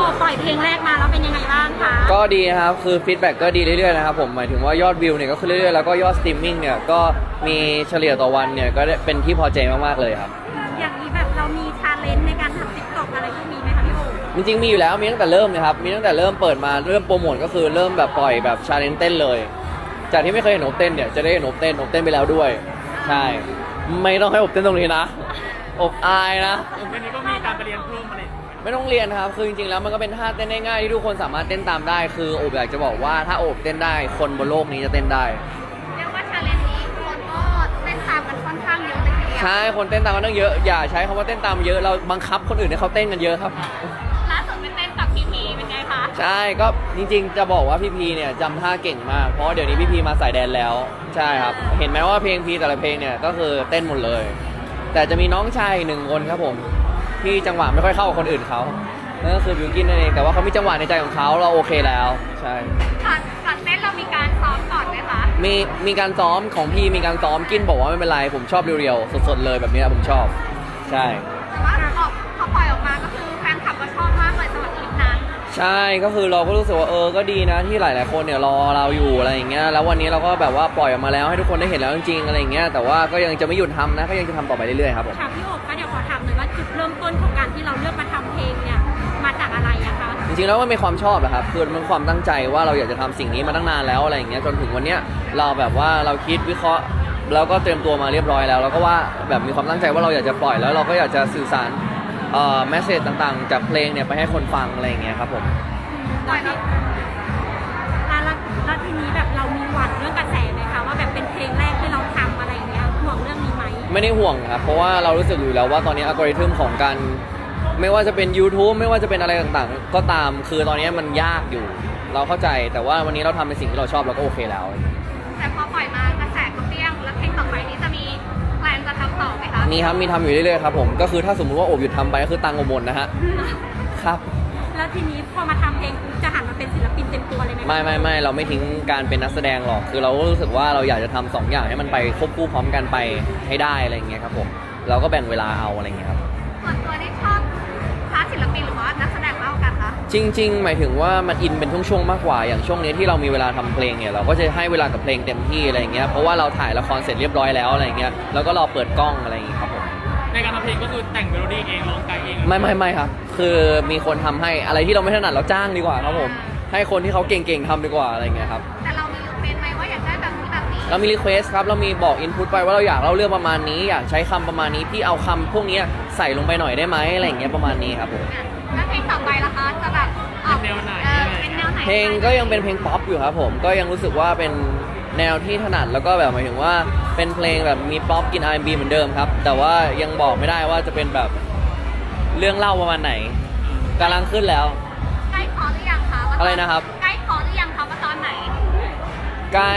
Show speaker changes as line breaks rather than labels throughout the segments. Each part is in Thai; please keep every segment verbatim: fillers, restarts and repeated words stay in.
ปล่อยเพลงแรกมาแล้วเป็นยังไงบ้างคะ
ก็ดีครับคือฟีดแบ็กก็ดีเรื่อยๆนะครับผมหมายถึงว่ายอดวิวเนี่ยก็ขึ้นเรื่อยๆแล้วก็ยอดสตรีมมิ่งเนี่ยก็มีเฉลี่ยต่อวันเนี่ยก็เป็นที่พอใจมากๆเลยครับ
อย่างนี้แบบเรามีชาเลนจ์ในการทำติ๊กต็อกอะไรพวกนี้ไหมคะพี่โอ
จริงๆมีอยู่แล้วมีตั้งแต่เริ่มนะครับมีตั้งแต่เริ่มเปิดมาเริ่มโปรโมทก็คือเริ่มแบบปล่อยแบบชาเลนจ์เต้นเลยจากที่ไม่เคยเห็นอบเต้นเนี่ยจะได้เห็นอบเต้นอบเต้นไปแล้วด้วยใช่ไม่ต้องให้อบเต้นตรงนี้นะอบอายนะ
วันนี้ก็มีการไปเรียนเพิ่มอะไร
ไม่ต้องเรียนครับคือจริงๆแล้วมันก็เป็นท่าเต้นง่ายๆที่ทุกคนสามารถเต้นตามได้คือโอบอยากจะบอกว่าถ้าโอบเต้นได้คนบนโลกนี้จะเต้นได้
เรียกว่าชาเลนจ์นี้คนก็เต้นตามกันค่อนข้างเยอะเลยทีเดียว
ใช่คนเต้นตามกันตั้งเยอะอย่าใช้คำว่าเต้นตามเยอะเราบังคับคนอื่นให้เขาเต้นกันเยอะครับ
ล่าสุดไปเต้นกับพีพีเป็นไงคะ
ใช่ก็จริงๆจะบอกว่าพี่พีเนี่ยจำท่าเก่งมากเพราะเดี๋ยวนี้พี่พีมาสายแดนแล้วใช่ครับเห็นไหมว่าเพลงพีแต่ละเพลงเนี่ยก็คือเต้นหมดเลยแต่จะมีน้องชายหนึ่งคนครับผมที่จังหวะไม่ค่อยเข้ากับคนอื่นเขานั่นก็คือบิวกินนั่นเองแต่ว่าเขามีจังหวะในใจของเขาเราโอเคแล้วใช่
ก่อนก่อนเต้นเรามีการซ้อมก่อนไหมคะ
มีมีการซ้อมของพี่มีการซ้อมกินบอกว่าไม่เป็นไรผมชอบเรียวๆสดๆเลยแบบนี้ผมชอบใช่
แต่ว่าออกพอปล่อยออกมาก็คือแฟนคลับก็ชอบมากเลยสำหรับคลิปนั้น
ใช่ก็คือเราก็รู้สึกว่าเออก็ดีนะที่หลายๆคนเนี่ยรอเราอยู่อะไรอย่างเงี้ยแล้ววันนี้เราก็แบบว่าปล่อยออกมาแล้วให้ทุกคนได้เห็นแล้วจริงๆอะไรอย่างเงี้ยแต่ว่าก็ยังจะไม่หยุดทำนะก็ยังจะทำต่อไปเรื่อยๆครับผม
ค่ะพี่โอบคะเดี๋ยวขอถามหน่อยว่าจุดเริ่มต้นของการที่เราเลือกมาทำเพลงเนี่ยมาจากอะไรอะคะ
จริงๆแล้วมันเป็นความชอบแหละครับคือมันความตั้งใจว่าเราอยากจะทำสิ่งนี้มาตั้งนานแล้วอะไรอย่างเงี้ยจนถึงวันเนี้ยเราแบบว่าเราคิดวิเคราะห์แล้วก็เตรียมตัวมาเรียบร้อยแล้วแล้วก็ว่าแบบมีความตั้งใจว่าเราอยากจะปล่อยแล้วเราก็อยากจะสื่อสารเอ่อแมสเสจต่างๆจากเพลงเนี่ยไปให้คนฟังอะไรอย่างเงี้ยครับผม
ตอนนี้แล้วแล้วทีนี้แบบเรามีหวั่นเรื่องกระแสไหมคะว่าแบบเป็นเพลงแรกที่เราทำอะไรอย่างเงี้ยห่วงเรื่องนี้ไหม
ไม่ได้ห่วงครับเพราะว่าเรารู้สึกอยู่แล้วว่าตอนนี้อัลกอริทึมของการไม่ว่าจะเป็น YouTube ไม่ว่าจะเป็นอะไรต่างๆก็ตามคือตอนนี้มันยากอยู่เราเข้าใจแต่ว่าวันนี้เราทำในสิ่งที่เราชอบเราก็โอเคแล้ว
แต่พอปล่อยมากระแสก็เปรี้ยงแล้วเพลงต่อไปนี้จะมีแพลนจะทำต่อไหมคะ
มีครับมีทำอยู่เรื่อยๆครับผมก็คือถ้าสมมุติว่าโอบหยุดทำไปก็คือตังค์หมดนะฮะครับ
แล้วทีนี้พอมาทำเพลงจะหันมาเป็นศิลปินเต็มตัวเลยไหม
ไม่ไม่ไม่เราไม่ทิ้งการเป็นนักแสดงหรอกคือเรารู้สึกว่าเราอยากจะทำสองอย่างให้มันไปควบคู่พร้อมกันไปให้ได้อะไรอย่างเงี้ยครับผมเราก็แบ่งเวลาเอาอะไรอย่างเงี้ยครับ
ส่วนตัวนี่ชอบพาร์ทศิลปินหรือว่านักแสดงมากกว่ากันคะ
จริงๆหมายถึงว่ามันอินเป็นช่วงๆมากกว่าอย่างช่วงนี้ที่เรามีเวลาทำเพลงเนี่ยเราก็จะให้เวลากับเพลงเต็มที่อะไรอย่างเงี้ยเพราะว่าเราถ่ายละครเสร็จเรียบร้อยแล้วอะไรอย่างเงี้ยแล้วก็รอเปิดกล้องอะไรอย่างเงี้ยครับผม
ในการทำเพลงก็คือแต่งเมโลดี้เองร้องไกด์เอง
ไม่ไม่ไม่ครับคือมีคนทำให้อะไรที่เราไม่ถนัดเราจ้างดีกว่าครับผมให้คนที่เขาเก่งๆทำดีกว่าอะไรอย่างเงี้ยครับ
แต่เรามีรีเควสไหมว่าอยากได้แบบนี้แบบนี้
เรามีรีเควสครับเรามีบอกอินพุตไปว่าเราอยากเล่าเรื่องประมาณนี้อยากใช้คำประมาณนี้พี่เอาคำพวกนี้ใส่ลงไปหน่อยได้ไหมอะไรอย่างเงี้ยประมาณนี้ครับผม
แล้วเพลงต่อไปล่ะคะจะแบบ
เป็นแนวไหน
เป็นแนวไหน
เพลงก็ยังเป็นเพลงป๊อปอยู่ครับผมก็ยังรู้สึกว่าเป็นแนวที่ถนัดแล้วก็แบบหมายถึงว่าเป็นเพลงแบบมีป๊อปกิน อาร์ แอนด์ บี เหมือนเดิมครับแต่ว่ายังบอกไม่ได้ว่าจะเป็นแบบเรื่องเล่าประมาณไหนกำลังขึ้นแล้ว
ใกล้พอหรือยังคะ
อะไรนะครับ
ใกล้พอหรือยังคะว่าตอนไหน
ใกล้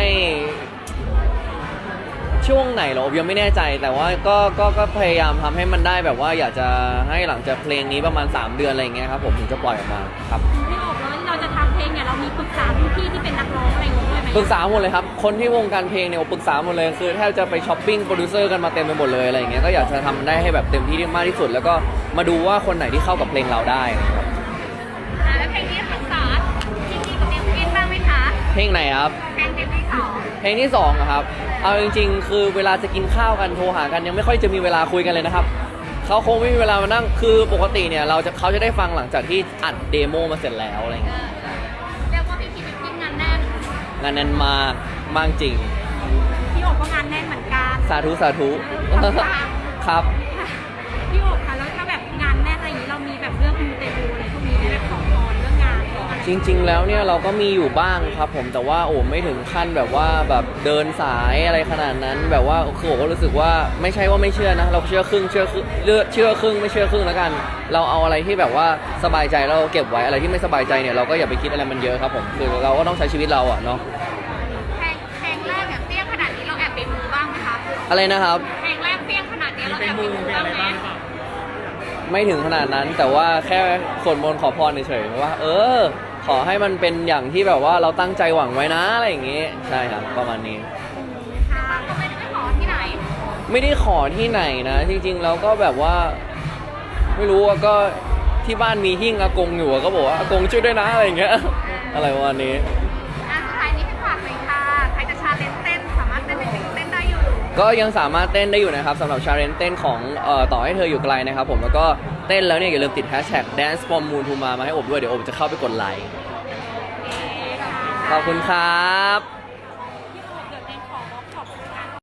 ช่วงไหนหรอยังไม่แน่ใจแต่ว่าก็ก็ก็พยายามทำให้มันได้แบบว่าอยากจะให้หลังจากเพลงนี้ประมาณสามเดือนอะไรอย่างเงี้ยครับผมถึงจะปล่อยออกมาครับ
พี่โอบแล้วเราจะทำเพลงเนี่ยเรามีปรึกษาพี่ที่เป็นนักร้องอะไรอย่างเงี้ยด้วยไหม
ปรึกษาหมดเลยครับคนที่วงการเพลงเนี่ยปรึกษาหมดเลยคือแทบจะไปช้อปปิ้งโปรดิวเซอร์กันมาเต็มไปหมดเลยอะไรอย่างเงี้ยก็อยากจะทำได้ให้แบบเต็มที่มากที่สุดแล้วก็มาดูว่าคนไหนที่เข้ากับเพลงเราได้ครับ
แล้วเพลงนี้ปรึกษาจริงๆกับเดวกินบ้างไหมคะ
เพลงไหนครับ
เพลงที่สอง
เพลงที่สองครับเอาจริงๆคือเวลาจะกินข้าวกันโทรหากันยังไม่ค่อยจะมีเวลาคุยกันเลยนะครับเขาคงไม่มีเวลามานั่งคือปกติเนี่ยเราจะเขาจะได้ฟังหลังจากที่อัดเดโมมาเสร็จแล้วอะไรอย่างเงี้ย
เรียกว่าพี่พีเป็นทีมงานแน่น
งานแน่นมากมากจริง
พี่โอบก็งานแน่นเหมือนกัน
สาธุสาธุครับ
พี่โอบคะแล้วถ้าแบบงานแน่นอะไรอย่างนี้เรามีแบบเรื่องมูเตลูอะไรพวกนี้แบบขอพรเรื่องงาน
จริงๆแล้วเนี่ยเราก็มีอยู่บ้างครับผมแต่ว่าโอ้ไม่ถึงขั้นแบบว่าแบบเดินสายอะไรขนาดนั้นแบบว่าคือผมก็รู้สึกว่าไม่ใช่ว่าไม่เชื่อนะเราเชื่อครึ่งเชื่อครึ่งเลือเชื่อครึ่งไม่เชื่อครึ่งแล้วกันเราเอาอะไรที่แบบว่าสบายใจเราเก็บไว้อะไรที่ไม่สบายใจเนี่ยเราก็อย่าไปคิดอะไรมันเยอะครับผมคือเราก็ต้องใช้ชีวิตเราอ่ะเนาะ
เพลงเพลงแรกแบบเปี้ยงขนาดนี้เราแอบไปมูบ้างไหมคะ
อะไรนะครับ
เพลงแรกเปี้ยงขนาดนี้เราแอบไปมูบ้างไหม
ไม่ถึงขนาดนั้นแต่ว่าแค่สวดมนต์ขอพรเฉยๆว่าเออขอให้มันเป็นอย่างที่แบบว่าเราตั้งใจหวังไว้นะอะไรอย่างงี้ใช่ครับประมาณนี้
ค่ะก็ไม่ได้ขอที่ไหน
ไม่ได้ขอที่ไหนนะจริงๆแล้วก็แบบว่าไม่รู้ว่าก็ที่บ้านมีหิ้งอากงอยู่ก็บอกว่าอากงช่วยด้วยนะอะไรอย่างเงี้ยอะไรประมาณนี้
อ่ะสุดท้ายนี้ให้ฝากหน่อยค่ะใครจะชาเลนจ์เต้นสามารถเต้นได้เต้นได้อยู่
ก็ยังสามารถเต้นได้อยู่นะครับสำหรับชาเลนจ์เต้นของเอ่อต่อให้เธออยู่ไกลนะครับผมแล้วก็เต้นแล้วเนี่ยอย่าลืมติดแฮชแท็ก dance from moon to มามาให้อบด้วยเดี๋ยวอบจะเข้าไปกดไลค์ขอบคุณครับ